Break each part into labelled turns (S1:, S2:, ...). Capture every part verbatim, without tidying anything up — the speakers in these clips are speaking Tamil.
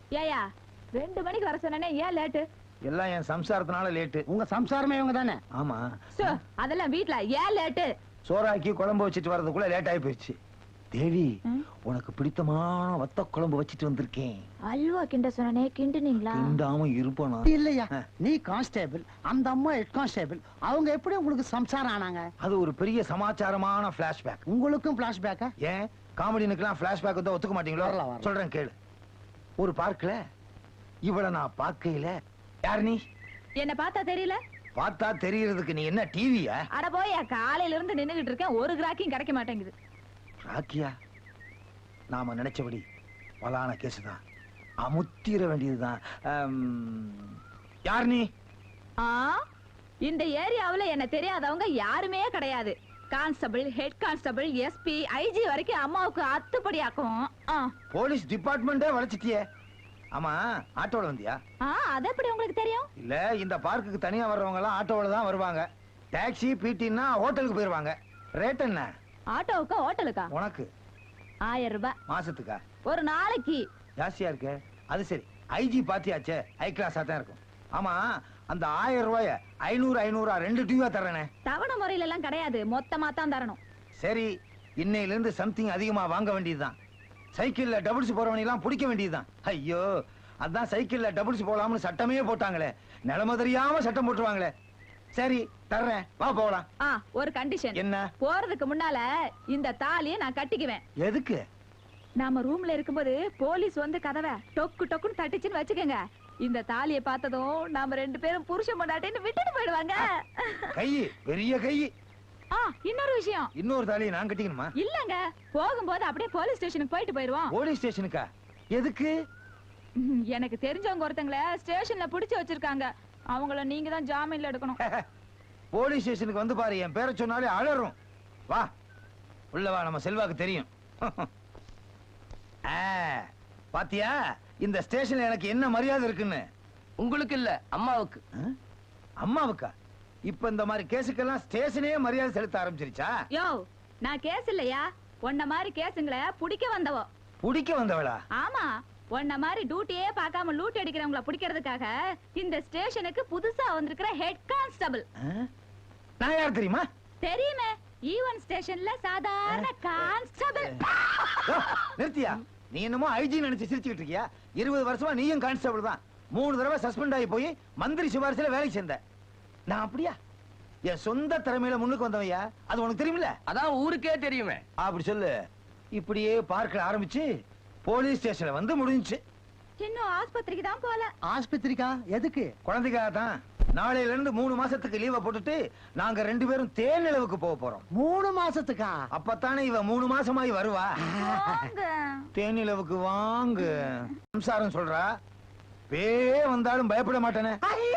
S1: ஏயா ரெண்டு மணிக்கு வர சொன்னே ஏன் லேட்டு?
S2: எல்லாம் என் சம்சாரத்தினால லேட்டு.
S3: உங்க சம்சாரமே இவங்க தானே?
S2: ஆமா.
S1: அதெல்லாம் வீட்ல ஏன் லேட்டு?
S2: சோறாக்கி குழம்பு வச்சுட்டு வர்றதுக்குள்ள லேட் ஆகி போயிடுச்சு. தேவி, உனக்கு பிடித்தமான வத்த குழம்பு வச்சிட்டு வந்திருக்கேன்.
S1: அல்வா கிண்ட சொன்னே கிண்டுனீங்களா?
S2: கிண்டாம இருப்பானா?
S3: இல்லையா, நீ கான்ஸ்டேபிள், அந்த அம்மா ஹெட் கான்ஸ்டேபிள். அவங்க எப்படி உங்களுக்கு சம்சாரம் ஆனாங்க?
S2: அது ஒரு பெரிய சமாச்சாரமான பிளாஷ்பேக்.
S3: உங்களுக்கும் பிளாஷ்பேக்கா?
S2: ஏன் காமெடினுக்கெல்லாம் பிளாஷ்பேக் வந்து ஒத்துக்க மாட்டீங்களோ? சொல்றேன் கேளு. ஒரு பார்க்கல இவள நான் பார்க்கையில, யார் நீ?
S1: என்ன பார்த்தா தெரியல?
S2: பார்த்தா தெரியறதுக்கு நீ என்ன டிவியா?
S1: அட போயா, காலையில இருந்து நின்னுகிட்டு இருக்கேன், ஒரு கிராக்கியும் கிடைக்க மாட்டேங்குது.
S2: ராக்கியா, நாம நினைச்சபடி பலான கேஸ் தான், அமுத்திர வேண்டியதுதான். யார் நீ?
S1: ஆ, இந்த ஏரியாவுல என்ன தெரியாதவங்க யாருமே கிடையாது. Constable, head constable, SP, IG வரைக்கும் அம்மாவுக்கு அத்துப்படி ஆக்கும்.
S2: போலீஸ் டிபார்ட்மெண்டே வளைச்சிட்டியே. ஆமா, ஆட்டோல வந்தியா?
S1: அது எப்படி உங்களுக்கு தெரியும்?
S2: இல்ல, இந்த பார்க்குக்கு தனியா வர்றவங்க எல்லாம் ஆட்டோல தான் வருவாங்க. டாக்ஸி, பிடினா ஹோட்டலுக்கு போயிருவாங்க. ரேட் என்ன?
S1: ஆட்டோவுக்கா ஹோட்டலுக்கா?
S2: உனக்கு
S1: ஆயிரம் ரூபாய்.
S2: மாசத்துக்கா?
S1: ஒரு நாளைக்கு.
S2: ஜாஸ்தியா இருக்கு. அது சரி, ஐஜி பாத்தியாச்சே, ஹை கிளாஸா தான் இருக்கும். ஆமா, அந்த ஆயிரம் ரூபாய ஐநூறு ஐநூறா ரெண்டு டியூவா தரனே.
S1: தவணை முறையில எல்லாம் கிடையாது, மொத்தமா தான் தரணும்.
S2: சரி, இன்னையில இருந்து சம்திங் அதிகமா வாங்க வேண்டியதுதான். சைக்கிள்ல டபுள்ஸ் போறவனை எல்லாம் பிடிக்க வேண்டியதுதான். ஐயோ, அதான் சைக்கிள்ல டபுள்ஸ் போலாம்னு சட்டமே போட்டாங்களே, நிலைமை தெரியாம சட்டம் போட்டுருவாங்களே. சரி, தர்றேன், வா போலாம்.
S1: ஆ, ஒரு கண்டிஷன்.
S2: என்ன?
S1: போறதுக்கு முன்னால இந்த தாலியை நான் கட்டிக்குவேன்.
S2: எதுக்கு?
S1: நாம ரூம்ல இருக்கும்போது போலீஸ் வந்து கதவை டொக்கு டொக்குன்னு தட்டிச்சுன்னு வச்சுக்கோங்க, இந்த தாலியை பார்த்ததும் நாம ரெண்டு பேரும் புருஷன் பொண்டாட்டின்னு விட்டுட்டு போயிடுவாங்க.
S2: கை பெரிய கை.
S1: ஆ, இன்னொரு விஷயம்.
S2: இன்னொரு தாலியை நான் கட்டிக்கணுமா?
S1: இல்லங்க, போகும்போது அப்படியே போலீஸ் ஸ்டேஷனுக்கு போயிட்டு போயிடுவோம்.
S2: போலீஸ் ஸ்டேஷனுக்கா? எதுக்கு?
S1: எனக்கு தெரிஞ்சவங்க ஒருத்தங்கள ஸ்டேஷன்ல புடிச்சு வச்சிருக்காங்க, அவங்கள நீங்க தான் ஜாமீன்ல எடுக்கணும்.
S2: போலீஸ் ஸ்டேஷனுக்கு வந்து பாரு, என் பேரை சொன்னாலே அலறும். வா உள்ள வா, நம்ம செல்வாக்கு தெரியும். பாத்தியா இந்த ஸ்டேஷன்ல எனக்கு என்ன மரியாதை இருக்குன்னு?
S4: உங்களுக்கு இல்ல, அம்மாவுக்கு.
S2: அம்மாவுக்கா? இப்ப இந்த மாதிரி கேஸுக்கெல்லாம் ஸ்டேஷனே மரியாதை செலுத்த ஆரம்பிச்சிருச்சா?
S1: யோ, நான் கேஸ் இல்லையா, உன்ன மாதிரி கேஸுங்களை புடிக்க வந்தவோ.
S2: புடிக்க வந்தவளா?
S1: ஆமா, உன்ன மாதிரி டியூட்டியே பார்க்காம லூட் அடிக்கிறவங்கள பிடிக்கிறதுக்காக இந்த ஸ்டேஷனுக்கு புதுசா வந்திருக்கிற ஹெட் கான்ஸ்டபிள்.
S2: நான் யார் தெரியுமா?
S1: தெரியுமே, ஈவன் ஸ்டேஷன்ல சாதாரண கான்ஸ்டபிள்.
S2: நிறுத்தியா? நீ என்னமோ ஐஜி நினைச்சு சிரிச்சுக்கிட்டு இருக்கியா? இருபது வருஷமா நீயும் கான்ஸ்டபிள் தான். மூணு தடவை சஸ்பெண்ட் ஆகி போய் மந்திரி சிபாரிசுல வேலைக்கு சேர்ந்த. நான் அப்படியா? என் சொந்த திறமையில முன்னுக்கு வந்தவையா? அது உனக்கு தெரியுமில்ல?
S4: அதான் ஊருக்கே தெரியுமே.
S2: அப்படி சொல்லு. இப்படியே பார்க்க ஆரம்பிச்சு போலீஸ் ஸ்டேஷன்ல வந்து முடிஞ்சுச்சு.
S1: இன்னும் ஆஸ்பத்திரிக்கு தான் போல.
S3: ஆஸ்பத்திரிக்கா? எதுக்கு?
S2: குழந்தைக்காக தான். நாளையில இருந்து மூணு மாசத்துக்கு லீவ போட்டுட்டு நாங்க ரெண்டு பேரும் தேனிலவுக்கு போக போறோம்.
S3: மூணு மாசத்துக்கா?
S2: அப்பத்தானே இவ மூணு மாசமாயி வருவா. தேனிலவுக்கு வாங்க. சம்சாரம் சொல்றா, வே வந்தாலும் பயப்பட மாட்டேனே.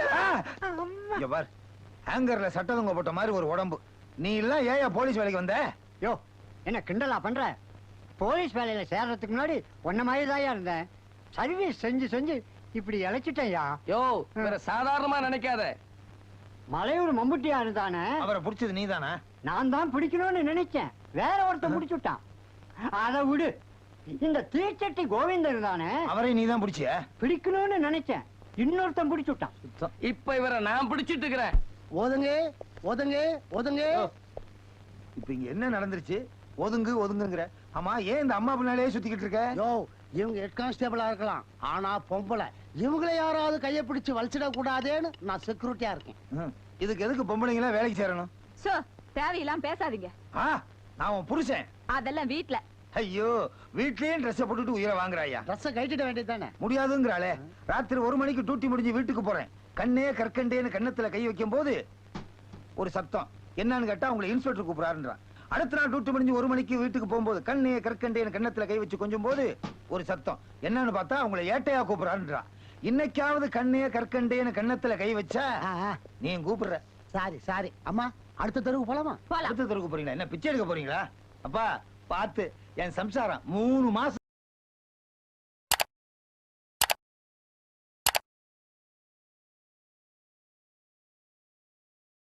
S2: ஹேங்கர்ல சட்டதங்க போட்ட மாதிரி ஒரு உடம்பு. நீ எல்லாம் ஏயா போலீஸ் வேலைக்கு வந்த?
S3: யோ, என்ன கிண்டலா பண்ற? போலீஸ் வேலையில சேர்றதுக்கு முன்னாடி ஒன்ன மாதிரி தான் இருந்தேன். சர்வீஸ் செஞ்சு செஞ்சு இப்படி இழைச்சிட்டேயா.
S4: யோ, வேற சாதாரணமா நினைக்காத.
S3: மலையூர் மம்புட்டியா இருந்தானே,
S2: அவரை பிடிச்சது நீதானா?
S3: நான் தான் பிடிக்கணும்னு நினைச்சேன், வேற ஒருத்தன் பிடிச்சு விட்டான். அதை விடு. இந்த தீச்சட்டி கோவிந்தன் இருந்தானே,
S2: அவரை நீ தான் பிடிச்சிய?
S3: பிடிக்கணும்னு நினைச்சேன், இன்னொருத்தன் பிடிச்சு விட்டான்.
S4: இப்ப இவரை நான் பிடிச்சிட்டு இருக்கிறேன்.
S3: ஒதுங்க ஒதுங்க ஒதுங்க.
S2: இப்ப இங்க என்ன நடந்துருச்சு? ஒதுங்கு ஒதுங்குங்கிற. ஆமா, ஏன் இந்த அம்மா பின்னாலே சுத்திக்கிட்டு இருக்க?
S3: யோ, இவங்க ஹெட் கான்ஸ்டபிளா இருக்கலாம், ஆனா பொம்பளை. இவங்களை யாராவது கையை பிடிச்சு வலிச்சிட கூடாதேன்னு நான் செக்யூரிட்டியா இருக்கேன்.
S2: இதுக்கு எதுக்கு பொம்பளைங்களா வேலைக்கு சேரணும்?
S1: சோ, தேவையெல்லாம் பேசாதீங்க.
S2: நான் உன் புருஷன்.
S1: அதெல்லாம் வீட்ல.
S2: ஐயோ, வீட்லயே ட்ரெஸ் போட்டுட்டு உயிரை வாங்குறாயா?
S3: ட்ரெஸ் கட்டிட வேண்டியதானே?
S2: முடியாதுங்கிறாளே. ராத்திரி ஒரு மணிக்கு டியூட்டி முடிஞ்சு வீட்டுக்கு போறேன். கண்ணே கற்கண்டேன்னு கண்ணத்துல கை வைக்கும் போது ஒரு சத்தம். என்னன்னு கேட்டா உங்களை இன்ஸ்பெக்டர் கூப்பிடாருன்றான். அடுத்த நாள் டியூட்டி முடிஞ்சு ஒரு மணிக்கு வீட்டுக்கு போகும்போது கண்ணே கற்கண்டேன்னு கண்ணத்துல கை வச்சு கொஞ்சம் போது ஒரு சத்தம். என்னன்னு பார்த்தா உங்களை ஏட்டையா கூப்பிடாருன்றான். இன்னைக்காவது கண்ணே கற்கண்டேன்னு கண்ணத்துல கை வச்சா நீ கூப்பிடுற.
S3: சாரி சாரி அம்மா, அடுத்த தெருவுக்கு போலாமா?
S2: அடுத்த தெருவுக்கு போறீங்களா? என்ன பிச்சை எடுக்க போறீங்களா? அப்பா பார்த்து, என் சம்சாரம் மூணு மாசம்